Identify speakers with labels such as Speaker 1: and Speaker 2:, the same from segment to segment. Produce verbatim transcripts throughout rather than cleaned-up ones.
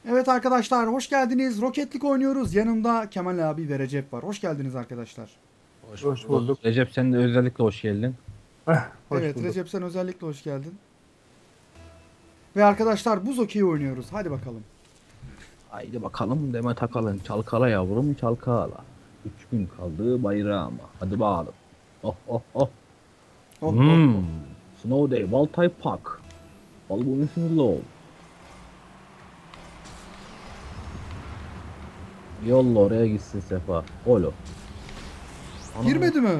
Speaker 1: Evet arkadaşlar hoş geldiniz. Roketlik oynuyoruz. Yanımda Kemal abi ve Recep var. Hoş geldiniz arkadaşlar.
Speaker 2: Hoş
Speaker 3: Hoş
Speaker 2: bulduk.
Speaker 3: bulduk.
Speaker 2: Recep sen de özellikle hoş geldin.
Speaker 3: Heh, hoş
Speaker 1: Evet
Speaker 3: bulduk.
Speaker 1: Recep sen özellikle hoş geldin. Ve arkadaşlar buz okeyi oynuyoruz. Hadi bakalım.
Speaker 2: Haydi bakalım Demet Akalın. Çalkala yavrum çalkala. Üç gün kaldı bayrağıma. Hadi bakalım. Oh oh oh.
Speaker 1: Oh oh
Speaker 2: Hmm.
Speaker 1: oh.
Speaker 2: Snow Day, Baltay Park. Balbunus'un low. Yolla oraya gitsin Sefa. Olo. Ana.
Speaker 1: Girmedi mi?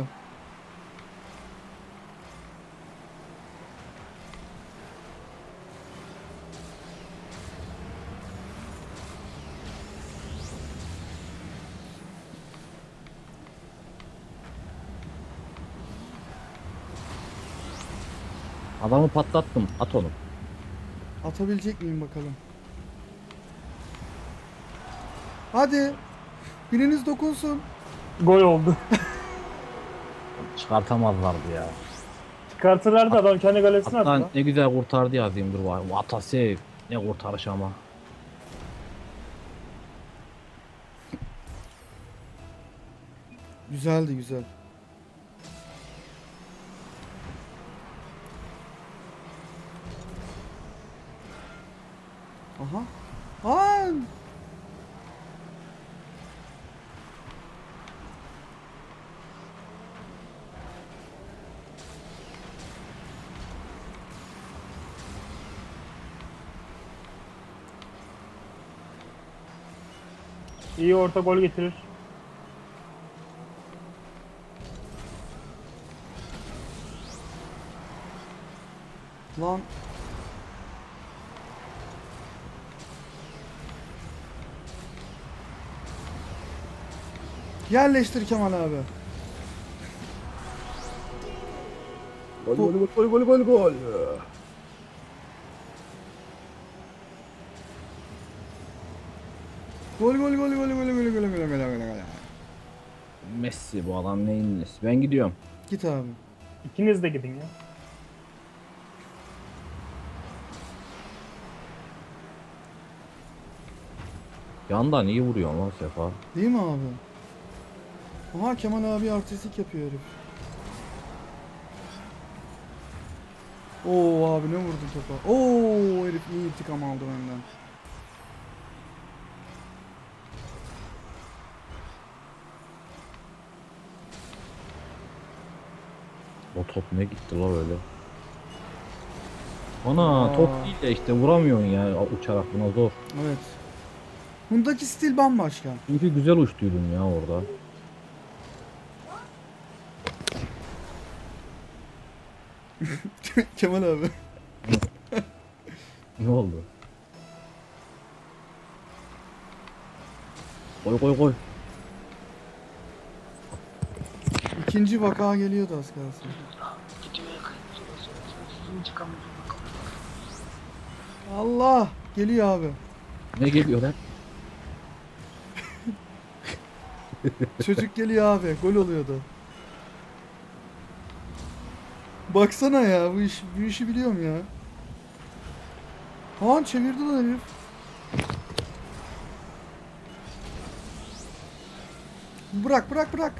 Speaker 2: Adamı patlattım. At onu.
Speaker 1: Atabilecek miyim bakalım. Hadi. Biriniz dokunsun.
Speaker 3: Gol oldu.
Speaker 2: Çıkartamazlardı ya.
Speaker 3: Çıkartırlardı adam kendi galesine attı
Speaker 2: Hatta
Speaker 3: lan.
Speaker 2: ne güzel kurtardı yazayım dur var. Vatase. Ne kurtarış ama.
Speaker 1: Güzeldi güzel. Aha. Aa!
Speaker 3: İyi orta gol getirir.
Speaker 1: Lan. Yerleştir Kemal abi.
Speaker 2: Gol
Speaker 1: Bu-
Speaker 2: gol gol gol gol gol.
Speaker 1: Gol gol gol gol gol gol gol gol gol gol.
Speaker 2: Messi bu adam neyin nesi? Ben gidiyorum.
Speaker 1: Git abi.
Speaker 3: İkiniz de gidin ya.
Speaker 2: Yandan iyi vuruyor lan Sefa.
Speaker 1: Değil mi abi? Aha Kemal abi artistik yapıyor herif. Oo abi ne vurdun topa. Oo herif iyi intikam aldı benden.
Speaker 2: O top ne gitti la öyle. Ana
Speaker 1: Aa.
Speaker 2: top değil de işte vuramıyorsun ya uçarak buna zor.
Speaker 1: Evet. Bundaki stil bambaşka.
Speaker 2: Çünkü güzel uçtuydun ya orada.
Speaker 1: Kemal abi.
Speaker 2: Ne oldu? Koy koy koy.
Speaker 1: İkinci vaka geliyordu az kalsın. Allah geliyor abi.
Speaker 2: Ne geliyor lan?
Speaker 1: Çocuk geliyor abi. Gol oluyordu. Baksana ya bu iş bu işi biliyorum ya. Haan çevirdi lan herif. Bırak bırak bırak.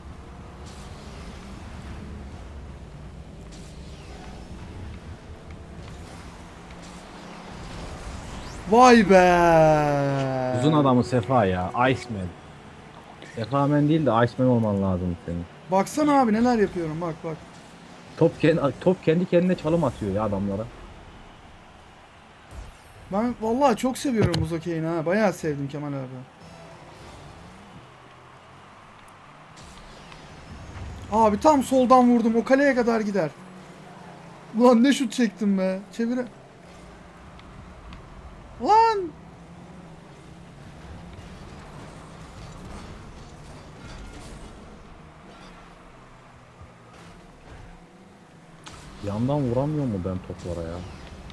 Speaker 1: Vay be.
Speaker 2: Uzun adamı Sefa ya. Iceman. Sefa Man değil de Iceman olman lazım senin.
Speaker 1: Baksana abi neler yapıyorum bak bak.
Speaker 2: Top kendi, top kendi kendine çalım atıyor ya adamlara.
Speaker 1: Ben vallahi çok seviyorum buz okeyini ha. Bayağı sevdim Kemal abi. Abi tam soldan vurdum. O kaleye kadar gider. Ulan ne şut çektim be. Çevire. Lan.
Speaker 2: Yandan vuramıyor mu ben toplara ya?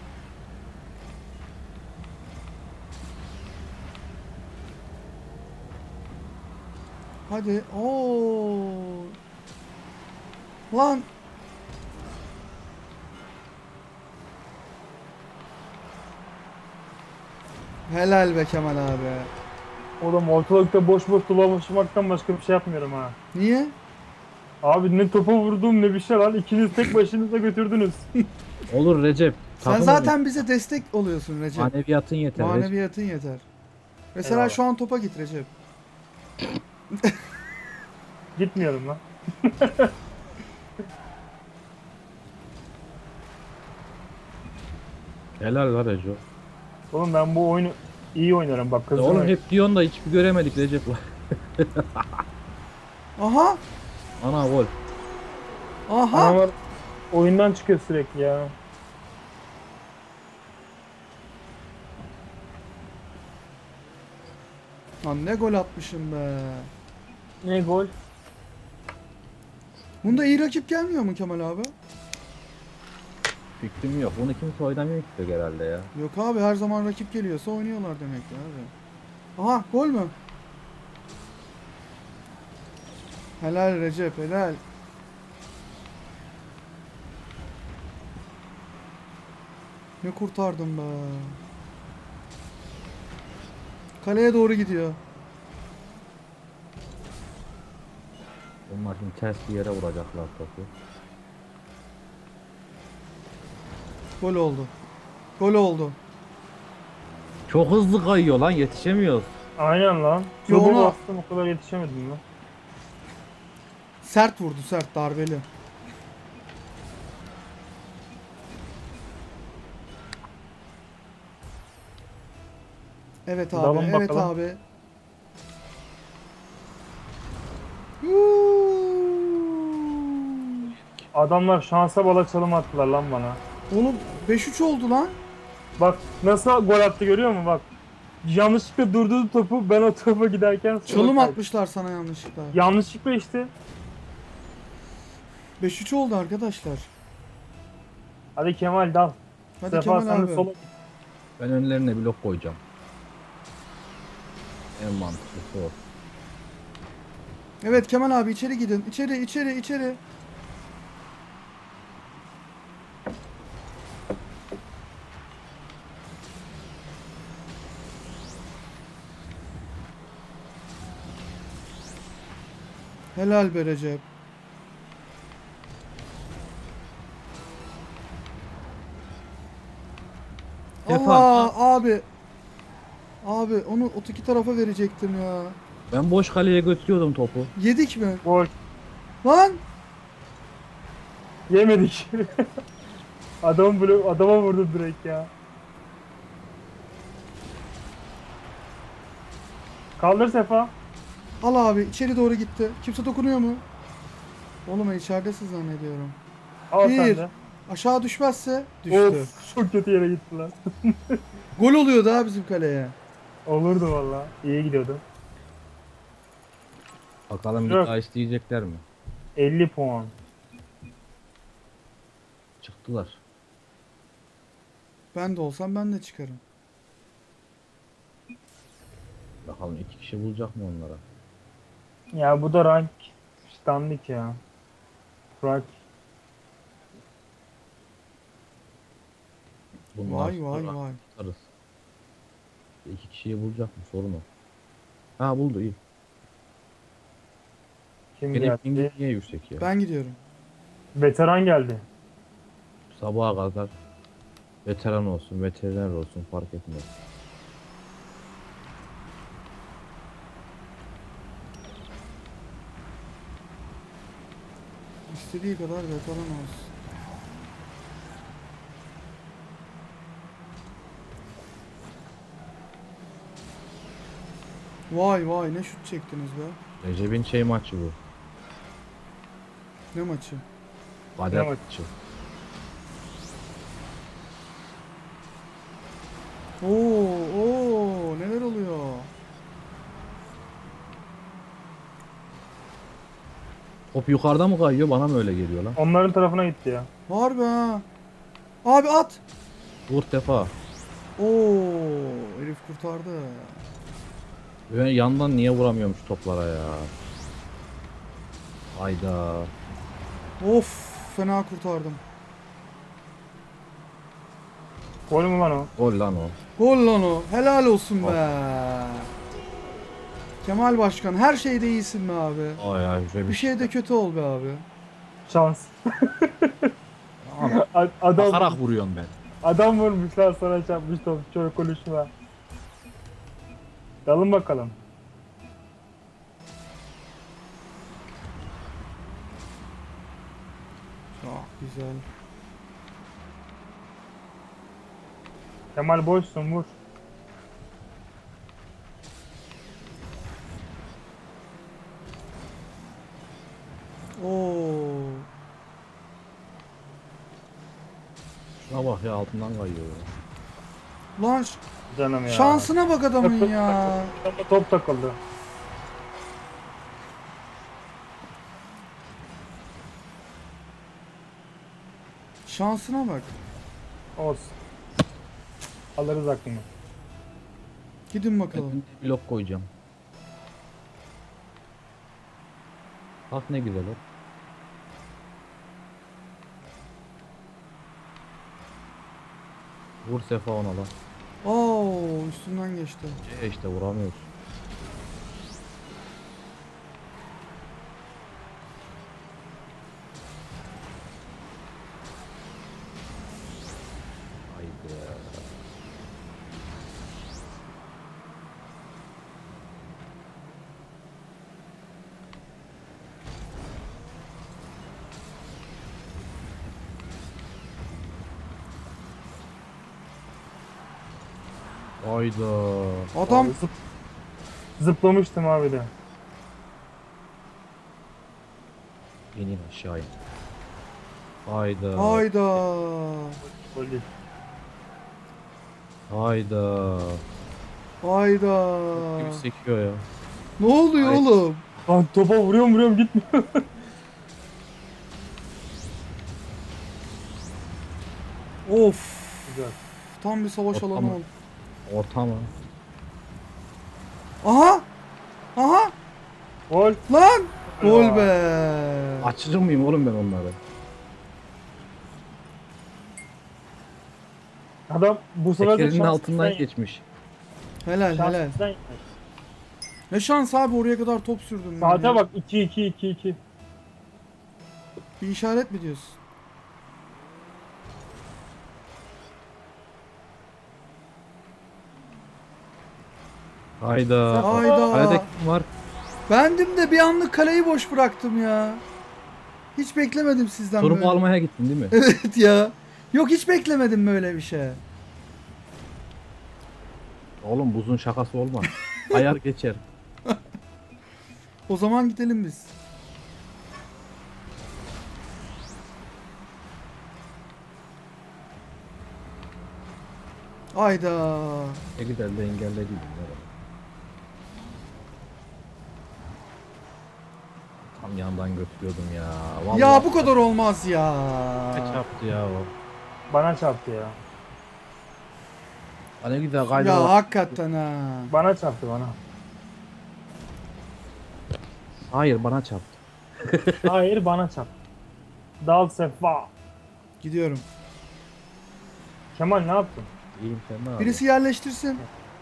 Speaker 1: Hadi. Oo. Lan. Helal be Kemal abi.
Speaker 3: Oğlum ortalıkta boş boş dolaşmaktan başka bir şey yapmıyorum ha.
Speaker 1: Niye?
Speaker 3: Abi ne topa vurdum ne bir şey lan. İkiniz tek başınıza götürdünüz.
Speaker 2: Olur Recep.
Speaker 1: Sen
Speaker 2: takım
Speaker 1: zaten bize destek oluyorsun Recep.
Speaker 2: maneviyatın yeter. Recep.
Speaker 1: Maneviyatın yeter. Mesela
Speaker 3: Eyvallah.
Speaker 1: şu an topa git Recep.
Speaker 3: Gitmiyorum lan.
Speaker 2: Helal var Recep.
Speaker 3: Oğlum ben bu oyunu iyi oynarım bak
Speaker 2: Ya
Speaker 3: kızım.
Speaker 2: oğlum hep diyorsun da hiçbir göremedik Recep.
Speaker 1: Aha!
Speaker 2: Ana gol.
Speaker 1: Aha!
Speaker 3: Adamlar oyundan çıkıyor sürekli ya.
Speaker 1: Lan ne gol atmışım be.
Speaker 3: Ne gol?
Speaker 1: Bunda iyi rakip gelmiyor mu Kemal abi?
Speaker 2: Fikrim yok. Bunu kimse oynamıyor ki herhalde ya.
Speaker 1: Yok abi, her zaman rakip geliyorsa oynuyorlar demek ki abi. Aha, gol mü? Helal Recep, helal. Ne kurtardım be. Kaleye doğru gidiyor.
Speaker 2: Onlar şimdi ters bir yere vuracaklar topu.
Speaker 1: Gol oldu. Gol oldu.
Speaker 2: Çok hızlı kayıyor lan, yetişemiyoruz.
Speaker 3: Aynen lan.
Speaker 1: Yo,
Speaker 3: Turbo
Speaker 1: ona-
Speaker 3: bastım o kadar yetişemedim lan.
Speaker 1: Sert vurdu, sert, darbeli. Evet abi,
Speaker 3: Dalın
Speaker 1: evet
Speaker 3: bakalım.
Speaker 1: abi. Yuuu.
Speaker 3: Adamlar şansa bala çalım attılar lan bana.
Speaker 1: Oğlum beş üç oldu lan.
Speaker 3: Bak nasıl gol attı görüyor musun bak. Yanlışlıkla durdurdu topu ben o topa giderken sola
Speaker 1: Çalım
Speaker 3: kaydım.
Speaker 1: atmışlar sana yanlışlıkla.
Speaker 3: Yanlışlıkla işte.
Speaker 1: beş üç oldu arkadaşlar.
Speaker 3: Hadi Kemal dal.
Speaker 1: Hadi
Speaker 3: Sefa
Speaker 1: Kemal
Speaker 3: sen de
Speaker 1: abi.
Speaker 3: sola.
Speaker 2: Ben önlerine blok koyacağım. En mantıklısı o.
Speaker 1: Evet Kemal abi, içeri gidin. İçeri, içeri, içeri. Helal be Recep.
Speaker 2: Sefa.
Speaker 1: Allah abi. Abi onu öteki tarafa verecektim ya.
Speaker 2: Ben boş kaleye götürüyordum topu.
Speaker 1: Yedik mi?
Speaker 3: Gol.
Speaker 1: Lan!
Speaker 3: Yemedik. Adam blok adama vurdu direkt ya. Kaldır Sefa.
Speaker 1: Al abi, içeri doğru gitti. Kimse dokunuyor mu? Oğlum içeridesin zannediyorum.
Speaker 3: Al
Speaker 1: Bir.
Speaker 3: sen de.
Speaker 1: Aşağı düşmezse düştü.
Speaker 3: Of çok kötü yere gittiler.
Speaker 1: Gol oluyordu ha bizim kaleye.
Speaker 3: Olurdu valla. İyi gidiyordu.
Speaker 2: Bakalım bir
Speaker 3: Yok.
Speaker 2: daha isteyecekler mi?
Speaker 3: elli puan.
Speaker 2: Çıktılar.
Speaker 1: Ben de olsam ben de çıkarım.
Speaker 2: Bakalım iki kişi bulacak mı onlara?
Speaker 3: Ya bu da rank standik ya. Rank.
Speaker 2: Bunlar
Speaker 1: Vay vay
Speaker 2: sonra
Speaker 1: vay.
Speaker 2: tutarız. İki kişiyi bulacak mı sorun o. Ha buldu iyi.
Speaker 3: Kim
Speaker 2: Benim
Speaker 3: geldi?
Speaker 2: pingim niye yüksek ya?
Speaker 1: Ben gidiyorum.
Speaker 3: Veteran geldi.
Speaker 2: Sabaha kadar veteran olsun, veteriner olsun fark etmez.
Speaker 1: İstediği kadar veteran olsun. Vay vay, ne şut çektiniz be.
Speaker 2: Recep'in şey maçı bu.
Speaker 1: Ne maçı?
Speaker 2: Kader
Speaker 3: Ne maçı?
Speaker 2: maçı.
Speaker 1: Oo oo, neler oluyor?
Speaker 2: Top yukarıda mı kayıyor bana mı öyle geliyor lan?
Speaker 3: Onların tarafına gitti ya.
Speaker 1: Var be ha. Abi at.
Speaker 2: Vur defa.
Speaker 1: Oo, herif kurtardı.
Speaker 2: Ben yandan niye vuramıyormuş toplara ya? Hayda.
Speaker 1: Of, fena kurtardım.
Speaker 3: Gol mü lan o?
Speaker 2: Gol lan o.
Speaker 1: Gol lan o. Helal olsun be. Kemal Başkan her şeyde iyisin be abi.
Speaker 2: Ay ay güzel
Speaker 1: Bir şeyde kötü ol be abi.
Speaker 3: Şans.
Speaker 2: Ama
Speaker 3: A- adam
Speaker 2: bakarak vuruyorum ben.
Speaker 3: adam vurmuşlar sana çarpmış top. Şöyle konuşma. Dalın bakalım.
Speaker 1: Çok güzel.
Speaker 3: Kemal boşsun vur.
Speaker 1: Oo.
Speaker 2: Şuna bak ya altından kayıyor. ya.
Speaker 1: Lan ş-
Speaker 3: Canım ya.
Speaker 1: şansına bak adamın ya.
Speaker 3: Adama top takıldı.
Speaker 1: Şansına bak.
Speaker 3: Olsun. Alırız aklını.
Speaker 1: Gidin bakalım.
Speaker 2: Ben blok koyacağım. Bak ne güzel o. Vur Sefa ona lan.
Speaker 1: Oo, üstünden geçti.
Speaker 2: E işte vuramıyoruz. Haydi. Hayda.
Speaker 1: Adam
Speaker 3: Zıp- Zıplamıştım abi de.
Speaker 2: İnin aşağı in. Hayda.
Speaker 1: hayda.
Speaker 3: Gol değil.
Speaker 2: Hayda.
Speaker 1: Hayda.
Speaker 2: Gibi sekiyor ya.
Speaker 1: Ne oluyor
Speaker 2: Ay.
Speaker 1: oğlum?
Speaker 3: Lan topa vuruyorum vuruyorum gitmiyor.
Speaker 1: Of.
Speaker 3: Güzel.
Speaker 1: Tam bir savaş
Speaker 2: Ortam-
Speaker 1: alanı oldu.
Speaker 2: Orta mı?
Speaker 1: Aha. Aha.
Speaker 3: Gol.
Speaker 1: Lan. Gol
Speaker 3: Ya.
Speaker 1: be.
Speaker 2: Açıcı mıyım oğlum ben onları?
Speaker 3: Adam bu sefer de
Speaker 2: Tekerinin
Speaker 3: şans
Speaker 2: altından
Speaker 3: bizden-
Speaker 2: geçmiş.
Speaker 1: Helal
Speaker 3: şans
Speaker 1: helal.
Speaker 3: bizden-
Speaker 1: Ne şans abi oraya kadar top sürdüm ben.
Speaker 3: Saate
Speaker 1: ya.
Speaker 3: bak iki iki iki iki.
Speaker 1: Bir işaret mi diyorsun?
Speaker 2: Hayda.
Speaker 1: Hayda.
Speaker 2: Kalede kim var?
Speaker 1: Bendim de bir anlık kaleyi boş bıraktım ya. Hiç beklemedim sizden
Speaker 2: Sorumu
Speaker 1: böyle.
Speaker 2: almaya gittin değil mi?
Speaker 1: Evet ya. Yok hiç beklemedim böyle bir şey.
Speaker 2: Oğlum buzun şakası olmaz. Ayar geçer.
Speaker 1: O zaman gidelim biz. Ayda.
Speaker 2: Ne güzel de engellediydim. Tam yandan götürüyordum ya. Vallahi
Speaker 1: Ya bu kadar olmaz ya.
Speaker 2: ne çarptı ya o.
Speaker 3: Bana çarptı ya.
Speaker 2: Ha ne güzel kaydı.
Speaker 1: Ya
Speaker 2: var.
Speaker 1: hakikaten ha.
Speaker 3: Bana çarptı bana.
Speaker 2: Hayır bana çarptı.
Speaker 3: Hayır bana çarptı. Dal sefa.
Speaker 1: Gidiyorum.
Speaker 3: Kemal ne yaptın?
Speaker 2: İyiyim sen ne yapıyorsun?
Speaker 1: Birisi yerleştirsin.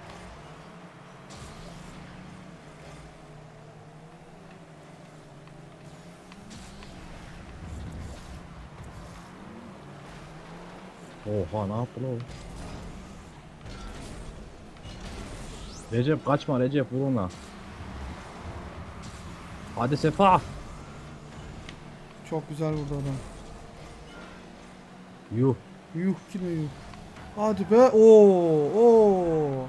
Speaker 2: Oha ne yaptı lan o? Recep kaçma Recep vur ona. Hadi Sefa.
Speaker 1: Çok güzel vurdu adam.
Speaker 2: Yuh.
Speaker 1: Yuh ki ne yuh. Hadi be. Oo, oo.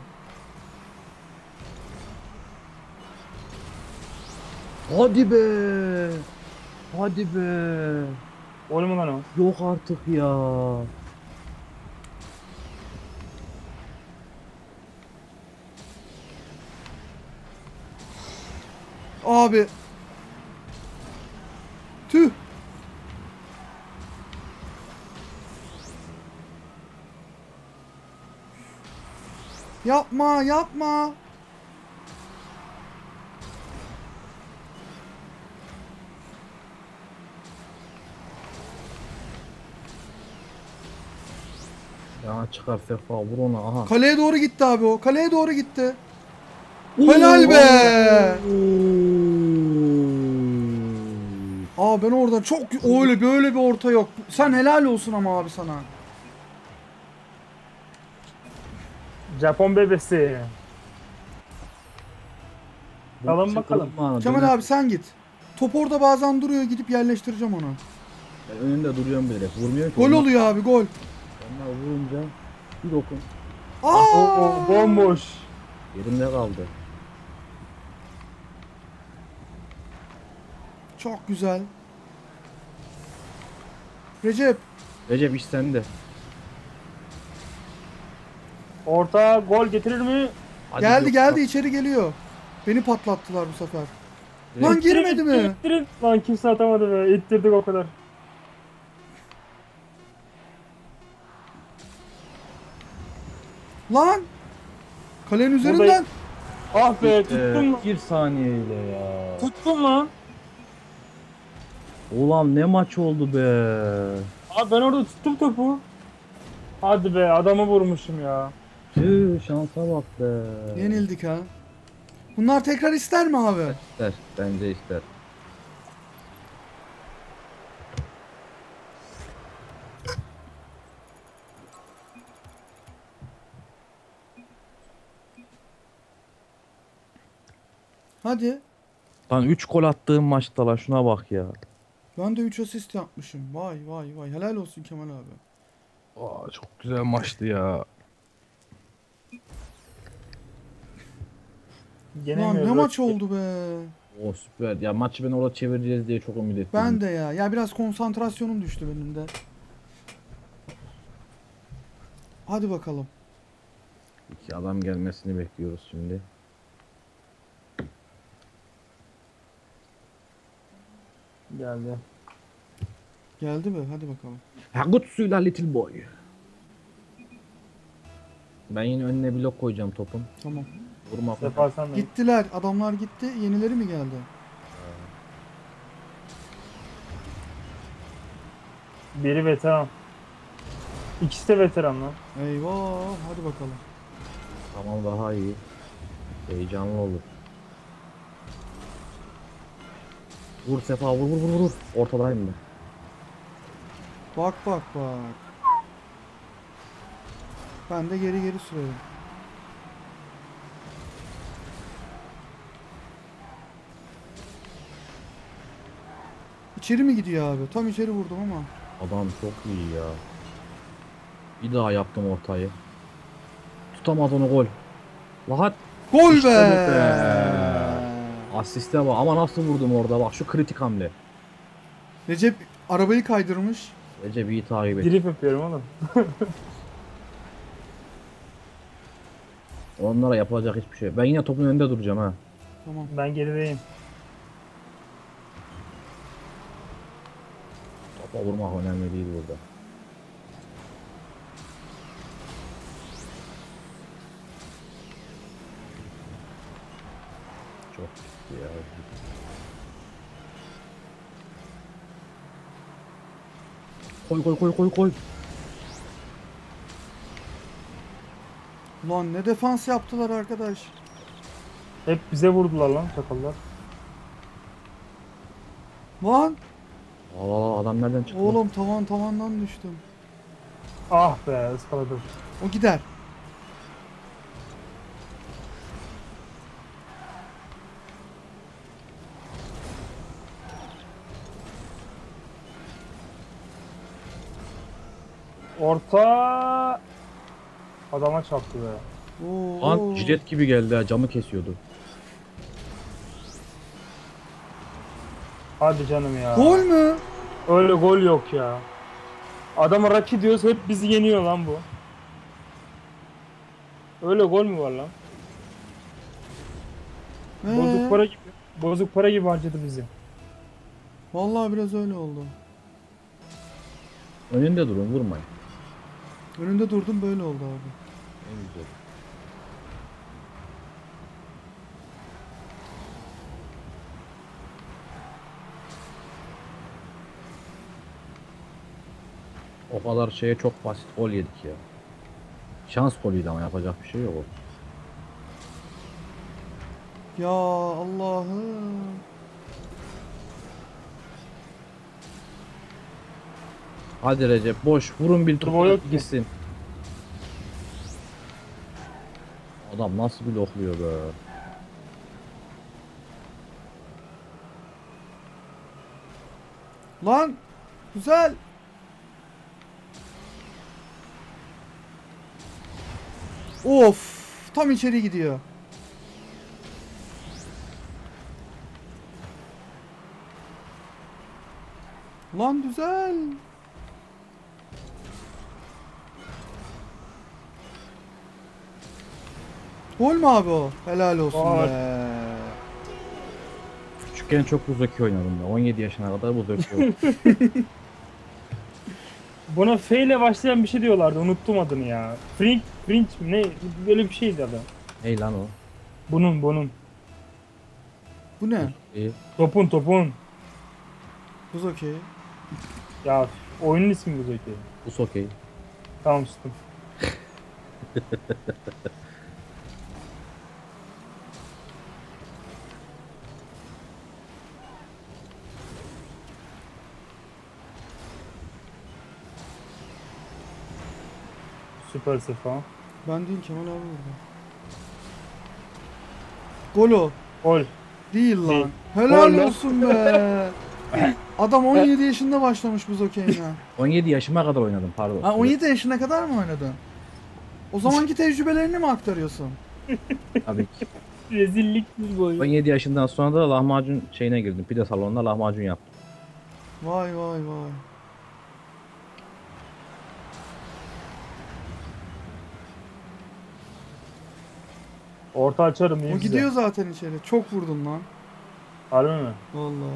Speaker 2: Hadi be. Hadi be.
Speaker 3: Gol mü lan o?
Speaker 2: Yok artık ya.
Speaker 1: Abi. Tüh. Yapma, yapma.
Speaker 2: Aha çıkar Sefa vur ona aha.
Speaker 1: Kaleye doğru gitti abi o. Kaleye doğru gitti. Helal be. Aa ben oradan çok öyle böyle bir orta yok. Sen helal olsun ama abi sana.
Speaker 3: Japon bebesi.
Speaker 2: Bu
Speaker 3: Alın
Speaker 2: bizi
Speaker 3: bakalım.
Speaker 2: kırılma,
Speaker 1: Kemal
Speaker 2: döner.
Speaker 1: abi sen git. Top orada bazen duruyor, gidip yerleştireceğim onu.
Speaker 2: Ben önünde duruyorum böyle. Vurmuyor ki.
Speaker 1: Gol
Speaker 2: onlar-
Speaker 1: oluyor abi, gol.
Speaker 2: Onlar vurunca bir dokun.
Speaker 1: Aa!
Speaker 3: Oo, bomboş.
Speaker 2: Yerimde kaldı.
Speaker 1: Çok güzel. Recep,
Speaker 2: Recep iş sende.
Speaker 3: Orta gol getirir mi?
Speaker 2: Hadi
Speaker 1: geldi
Speaker 2: yok.
Speaker 1: geldi içeri geliyor. Beni patlattılar bu sefer.
Speaker 2: Recep-
Speaker 1: Lan girmedi
Speaker 3: İttirin,
Speaker 1: mi?
Speaker 3: ittirin, ittirin. Lan kimse atamadı be. İttirdik o kadar.
Speaker 1: Lan! Kalenin üzerinden.
Speaker 3: Buradayım. Ah be
Speaker 2: Ee,
Speaker 3: tuttum.
Speaker 2: bir saniyeyle ya.
Speaker 3: Tuttum lan.
Speaker 2: Ulan ne maç oldu be.
Speaker 3: Abi ben orada tuttum topu. Hadi be adamı vurmuşum ya.
Speaker 2: Tüh şansa bak be.
Speaker 1: Yenildik ha. Bunlar tekrar ister mi abi?
Speaker 2: İster. Bence ister.
Speaker 1: Hadi.
Speaker 2: Lan üç gol attığım maçta la şuna bak ya.
Speaker 1: Ben de üç asist yapmışım. Vay vay vay. Helal olsun Kemal abi.
Speaker 2: Aa, çok güzel maçtı ya.
Speaker 1: Lan
Speaker 3: Yenemiyoruz.
Speaker 1: ne maç
Speaker 3: rakip.
Speaker 1: oldu be.
Speaker 2: O süper. Ya maçı ben orada çevireceğiz diye çok ümit ettim.
Speaker 1: Ben de ya. Ya biraz konsantrasyonum düştü benim de. Hadi bakalım.
Speaker 2: İki adam gelmesini bekliyoruz şimdi.
Speaker 3: Geldi.
Speaker 1: Geldi mi? Hadi bakalım.
Speaker 2: Ha kutsuyla little boy. Ben yine önüne blok koyacağım topun.
Speaker 1: Tamam.
Speaker 2: Vurma falan.
Speaker 3: Sefa sen de.
Speaker 1: Gittiler. Adamlar gitti. Yenileri mi geldi?
Speaker 3: Biri veteran. İkisi de veteran lan.
Speaker 1: Eyvah. Hadi bakalım.
Speaker 2: Tamam daha iyi. Heyecanlı olur. Vur Sefa vur vur vur vur. Ortadayım ben.
Speaker 1: Bak bak bak. Ben de geri geri sürerim. İçeri mi gidiyor abi? Tam içeri vurdum ama.
Speaker 2: Adam çok iyi ya. Bir daha yaptım ortayı. Tutamaz onu gol. Rahat.
Speaker 1: Gol
Speaker 2: İşte
Speaker 1: be!
Speaker 2: bu be! Asiste bak ama nasıl vurdum orada bak şu kritik hamle.
Speaker 1: Recep arabayı kaydırmış.
Speaker 2: Recep iyi takip et.
Speaker 3: Drift yapıyorum oğlum.
Speaker 2: Onlara yapılacak hiçbir şey yok. Ben yine topun önünde duracağım ha.
Speaker 1: Tamam.
Speaker 3: Ben gerideyim.
Speaker 2: Topa vurmak önemli değil burada. Çok gitti ya. Koy koy koy koy koy.
Speaker 1: Ulan ne defans yaptılar arkadaş.
Speaker 3: Hep bize vurdular lan çakallar.
Speaker 1: Lan
Speaker 2: Allah Allah adam nereden çıktı?
Speaker 1: oğlum tavan tavandan düştüm.
Speaker 3: Ah be ıskaladım.
Speaker 1: O gider.
Speaker 3: Orta adama çarptı be.
Speaker 1: Oo,
Speaker 2: Lan
Speaker 1: oo.
Speaker 2: jilet gibi geldi ha camı kesiyordu.
Speaker 3: Hadi canım ya.
Speaker 1: Gol mü?
Speaker 3: Öyle gol yok ya. Adama Raki diyoruz hep bizi yeniyor lan bu. Öyle gol mü var lan?
Speaker 1: Ee,
Speaker 3: Bozuk para gibi. Bozuk para gibi harcadı bizi.
Speaker 1: Vallahi biraz öyle oldu.
Speaker 2: Önünde durun vurmayın.
Speaker 1: Önünde durdum böyle oldu abi.
Speaker 2: En güzel. O kadar şeye çok basit gol yedik ya. Şans golüydü ama yapacak bir şey yok.
Speaker 1: Ya Allah'ım.
Speaker 2: Hadi Recep boş vurun bir
Speaker 3: Turbo yok
Speaker 2: topu
Speaker 3: ki.
Speaker 2: gitsin. Adam nasıl blokluyor be.
Speaker 1: Lan güzel. Of, tam içeri gidiyor. Lan güzel. Gol mü abi o? Helal olsun
Speaker 3: Gol.
Speaker 1: be.
Speaker 2: Küçükken çok Buzoki oynadım ben. on yedi yaşına kadar Buzoki oynadım.
Speaker 3: Buna F ile başlayan bir şey diyorlardı. Unuttum adını ya. Frink, Frink mi? Ne? Böyle bir şeydi adı.
Speaker 2: Hey lan o.
Speaker 3: Bunun, bunun.
Speaker 1: Bu ne?
Speaker 2: İyi.
Speaker 3: Topun, topun.
Speaker 1: Buz okey.
Speaker 3: Ya oyunun ismi bu Zeki.
Speaker 2: Bu okey.
Speaker 3: Tamam sustum. Süper sefa.
Speaker 1: Ben değil Kemal abi burada. Gol o.
Speaker 3: Gol.
Speaker 1: Değil lan.
Speaker 3: Değil.
Speaker 1: Helal
Speaker 3: Gol lan.
Speaker 1: olsun be. Adam on yedi yaşında başlamış buz okeyine.
Speaker 2: on yedi yaşıma kadar oynadım pardon.
Speaker 1: Ha on yedi yaşına kadar mı oynadın? O zamanki tecrübelerini mi aktarıyorsun?
Speaker 2: Tabii ki.
Speaker 3: Rezillik bir
Speaker 2: on
Speaker 3: gol.
Speaker 2: yedi yaşından sonra da lahmacun şeyine girdim. Pide salonuna lahmacun yaptım.
Speaker 1: Vay vay vay.
Speaker 3: Orta açarım diye
Speaker 1: O
Speaker 3: size.
Speaker 1: gidiyor zaten içeri. Çok vurdun lan.
Speaker 3: Harbi mi?
Speaker 1: Vallahi.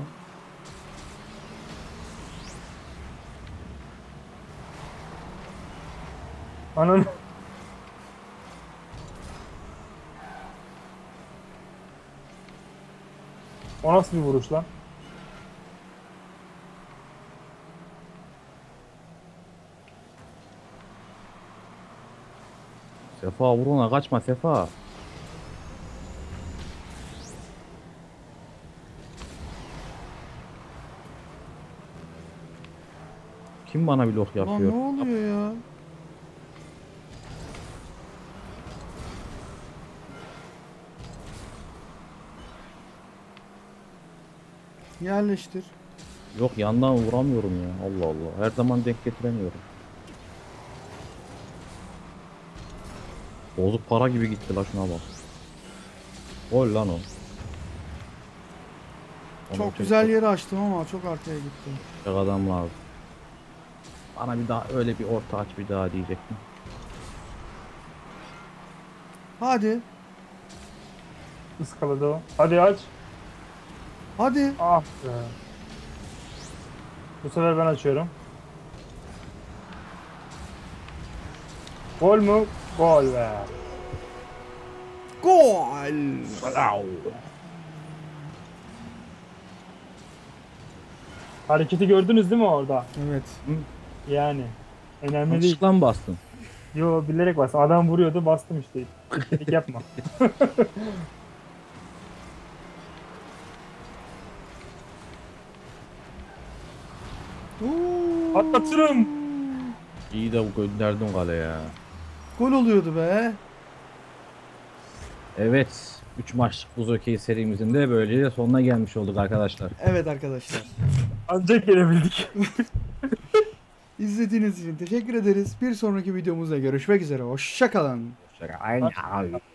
Speaker 3: Ananı. O nasıl bir vuruş lan?
Speaker 2: Sefa vur ona kaçma Sefa. Kim bana blok
Speaker 1: Lan
Speaker 2: yapıyor?
Speaker 1: ne oluyor ya? Yerleştir.
Speaker 2: Yok yandan vuramıyorum ya. Allah Allah. Her zaman denk getiremiyorum. Bozuk para gibi gitti la şuna bak. Gol lan o. Onu
Speaker 1: Çok
Speaker 2: çek-
Speaker 1: güzel yeri açtım ama çok arkaya gitti.
Speaker 2: çek adam lazım. Bana bir daha öyle bir orta aç bir daha diyecektim.
Speaker 1: Hadi.
Speaker 3: Iskaladı o. Hadi aç.
Speaker 1: Hadi.
Speaker 3: Ah be. Bu sefer ben açıyorum. Gol mü? Gol be.
Speaker 1: Gol.
Speaker 3: Hareketi gördünüz değil mi orada?
Speaker 1: Evet.
Speaker 3: Yani. Önemli değil.
Speaker 2: Yanlışlıkla mı bastın?
Speaker 3: Yo bilerek bastım. Adam vuruyordu bastım işte. Dedik yapma.
Speaker 1: Oo.
Speaker 3: Atlatırım.
Speaker 2: İyi de gönderdim kaleye.
Speaker 1: Gol oluyordu be.
Speaker 2: Evet. üç maçlık buz okey serimizin de böylece sonuna gelmiş olduk arkadaşlar.
Speaker 1: Evet arkadaşlar.
Speaker 3: Ancak gelebildik.
Speaker 1: İzlediğiniz için teşekkür ederiz. Bir sonraki videomuzda görüşmek üzere. Hoşça kalın.
Speaker 2: Aynen.